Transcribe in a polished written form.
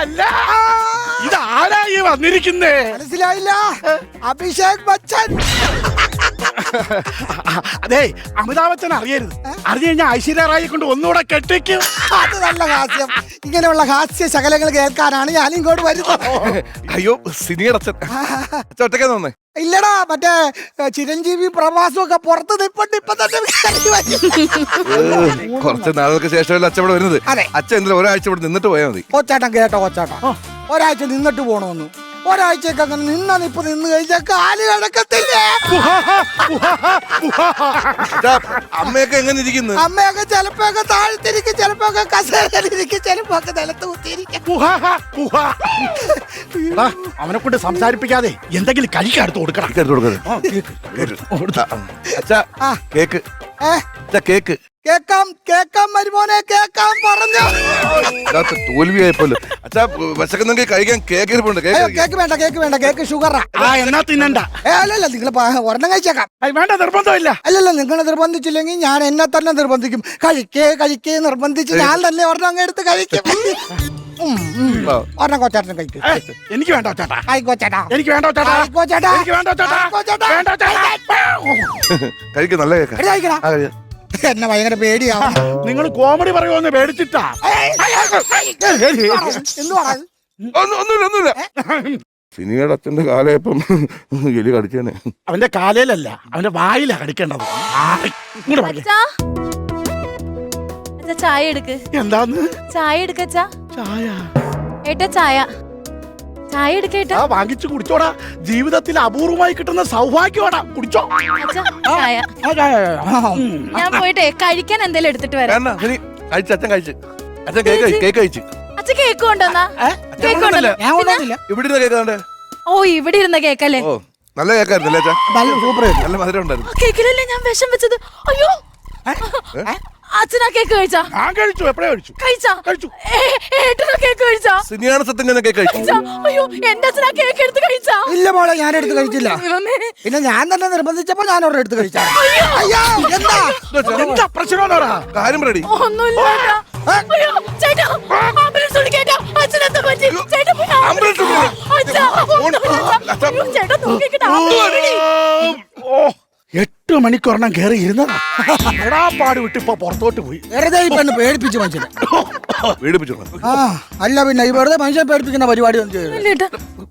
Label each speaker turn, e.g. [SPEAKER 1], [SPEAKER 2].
[SPEAKER 1] അല്ല ഇത് ആരായി വന്നിരിക്കുന്നേ?
[SPEAKER 2] മനസ്സിലായില്ല? അഭിഷേക് ബച്ചൻ.
[SPEAKER 1] അതെ, അമിതാഭ് ബച്ചൻ അറിയരുത്. അറിഞ്ഞു കഴിഞ്ഞാൽ ഐശ്വര്യ റായി കൊണ്ട് ഒന്നുകൂടെ കെട്ടിക്കും.
[SPEAKER 2] അത് നല്ല ഹാസ്യം. ഇങ്ങനെയുള്ള ഹാസ്യ ശകലങ്ങൾ കേൾക്കാനാണ് ഞാൻ ഇങ്ങോട്ട് വരുന്നത്.
[SPEAKER 3] അയ്യോ, സിനിയുടെ അച്ഛൻ ഒറ്റയ്ക്ക് തോന്നേ.
[SPEAKER 2] ഇല്ലടാ, മറ്റേ ചിരഞ്ജീവി പ്രവാസം ഒക്കെ പുറത്ത് നിപ്പണ്ട്. ഇപ്പൊ തന്നെ
[SPEAKER 3] കുറച്ച് നാളുകൾക്ക് ശേഷമല്ല അച്ഛൻ ഇവിടെ വരുന്നത്.
[SPEAKER 2] അതെ.
[SPEAKER 3] അച്ഛൻ എന്തിനാ ഒരാഴ്ച ഇവിടെ നിന്നിട്ട് പോയാൽ മതി.
[SPEAKER 2] കൊച്ചാട്ടൻ കേട്ടോ, കൊച്ചാട്ടൻ ഒരാഴ്ച നിന്നിട്ട് പോണോന്ന്. ഒരാഴ്ചക്ക് അങ്ങനെ നിപ്പ് നിന്ന് കഴിച്ചാൽ കാല് കിടക്കത്തില്ലേ?
[SPEAKER 3] അമ്മയൊക്കെ എങ്ങനെ ഇരിക്കുന്നു?
[SPEAKER 2] അമ്മയൊക്കെ ചിലപ്പോഴൊക്കെ താഴ്ത്തിരിക്കും, ചിലപ്പോഴൊക്കെ കസേരയിലിരിക്കും, ചിലപ്പോഴൊക്കെ നിലത്ത് കുത്തിയിരിക്കും.
[SPEAKER 1] അവനെ കൊണ്ട് സംസാരിപ്പിക്കാതെ എന്തെങ്കിലും കഴിക്കാടുത്ത് കൊടുക്കണം.
[SPEAKER 3] അച്ഛാ കേക്ക്. കേക്ക്
[SPEAKER 2] കേക്കാം കേക്കാം മരുമോനെ, കേക്കാം പറഞ്ഞു.
[SPEAKER 3] തോൽവിയായപ്പോലും. അച്ഛാ വിശക്കുന്നെങ്കിൽ കഴിക്കാൻ കേക്ക് ഇരിപ്പുണ്ട്.
[SPEAKER 2] കേക്ക് വേണ്ട, കേക്ക് വേണ്ട, കേക്ക് ഷുഗറാ.
[SPEAKER 1] എന്നാ തിന്നണ്ട.
[SPEAKER 2] അല്ലല്ല, നിങ്ങൾ ഒരെണ്ണം കഴിച്ചേക്കാം.
[SPEAKER 1] വേണ്ട, നിർബന്ധമില്ല.
[SPEAKER 2] അല്ലല്ല, നിങ്ങൾ നിർബന്ധിച്ചില്ലെങ്കിൽ ഞാൻ എന്നെ തന്നെ നിർബന്ധിക്കും. കഴിക്കേ നിർബന്ധിച്ച് ഞാൻ തന്നെ ഒരെണ്ണം അങ്ങ് എടുത്ത് കഴിക്കും. ഒരെണ്ണം കൊച്ചാട്ടൻ കഴിക്കും.
[SPEAKER 1] എനിക്ക് വേണ്ട ചേട്ടാ.
[SPEAKER 2] ആയിക്കോച്ചേട്ടാ,
[SPEAKER 1] എനിക്ക് വേണ്ട ചേട്ടാ.
[SPEAKER 2] ആയിക്കോച്ചേട്ടാ,
[SPEAKER 1] എനിക്ക് വേണ്ട ചേട്ടാ. വേണ്ട ചേട്ടാ.
[SPEAKER 3] കഴിക്കും, നല്ല കേക്ക്.
[SPEAKER 2] കഴിക്കടാ. എന്നെ ഭയങ്കര പേടിയാവും.
[SPEAKER 1] നിങ്ങൾ കോമഡി പറയുമെന്ന് പേടിച്ചിട്ടാ.
[SPEAKER 3] ഒന്നുമില്ല. സിനിയുടെ അച്ഛന്റെ കാലയപ്പം എലി കടിച്ചേനെ.
[SPEAKER 1] അവന്റെ കാലയിലല്ല, അവന്റെ വായിലാ കടിക്കേണ്ടത്.
[SPEAKER 4] ചായ എടുക്ക്.
[SPEAKER 1] എന്താന്ന്?
[SPEAKER 4] ചായ എടുക്കച്ചാ.
[SPEAKER 1] ചായ
[SPEAKER 4] ഏട്ടാ, ചായ ചായ എടുക്കേട്ടാ.
[SPEAKER 1] വാങ്ങിച്ചു കുടിച്ചോടാ. ജീവിതത്തിൽ അപൂർവമായി കിട്ടുന്ന സൗഭാഗ്യമാടാ. കുടിച്ചോ.
[SPEAKER 4] ചായ. ഞാൻ പോയിട്ടെ കഴിക്കാൻ എന്തെങ്കിലും എടുത്തിട്ട് വരാം.
[SPEAKER 3] അച്ഛൻ കഴിച്ചു. അച്ഛൻ കേക്ക് കഴിച്ചു.
[SPEAKER 4] അച്ഛൻ കേക്ക് കൊണ്ടുവന്നാ? കേക്ക് കൊണ്ടുവന്നില്ല.
[SPEAKER 3] ഇവിടെ ഇരുന്ന കേക്ക് കണ്ടേ?
[SPEAKER 4] ഓ, ഇവിടെ ഇരുന്ന കേക്കല്ലേ?
[SPEAKER 3] ഓ, നല്ല കേക്കായിരുന്നല്ലേ അച്ഛാ?
[SPEAKER 2] സൂപ്പർ.
[SPEAKER 3] നല്ല മധുരം ഉണ്ടായിരുന്നു.
[SPEAKER 4] കേക്കിലല്ലേ ഞാൻ വിഷം വെച്ചത്. അയ്യോ, അച്ഛനാ കേക്ക് കഴിച്ചാ?
[SPEAKER 1] ഞാൻ കഴിച്ചു. എപ്പോഴേ കഴിച്ചു. കഴിച്ചു.
[SPEAKER 4] ഏട്ടനാ കേക്ക് കഴിച്ചാ?
[SPEAKER 3] സിനിയാണ് സത്യം ഞാൻ കേക്ക് കഴിച്ചു.
[SPEAKER 4] അയ്യോ, എന്റെ അച്ഛനാ കേക്ക് എടുത്ത് കഴിച്ചാ?
[SPEAKER 2] ഇല്ല മോളെ, ഞാൻ എടുത്ത് കഴിച്ചില്ല. പിന്നെ ഞാൻ തന്നെ നിർബന്ധിച്ചപ്പോ ഞാൻ ഒരെണ്ണം എടുത്ത് കഴിച്ചാ.
[SPEAKER 1] എന്താ പ്രശ്നം?
[SPEAKER 3] കാര്യം റെഡി.
[SPEAKER 4] ഒന്നുമില്ല. അയ്യോ, ചേട്ടാ, ആംബുലൻസ് വിളിക്കേട്ടാ. അച്ഛനെന്താ പറ്റി? ചേട്ടാ, ചേട്ടാ നോക്കിക്കട്ടാ.
[SPEAKER 1] 8 മണിക്കൂറെണ്ണം കയറി ഇരുന്നതാ. പാട് വിട്ട് ഇപ്പൊ പുറത്തോട്ട് പോയി.
[SPEAKER 2] വെറുതെ ഈ പെണ്ണ് പേടിപ്പിച്ചു മനുഷ്യനെ.
[SPEAKER 3] പേടിപ്പിച്ചു.
[SPEAKER 2] അല്ല പിന്നെ ഈ വെറുതെ മനുഷ്യനെ പേടിപ്പിക്കുന്ന പരിപാടി ഒന്നും ചെയ്തു.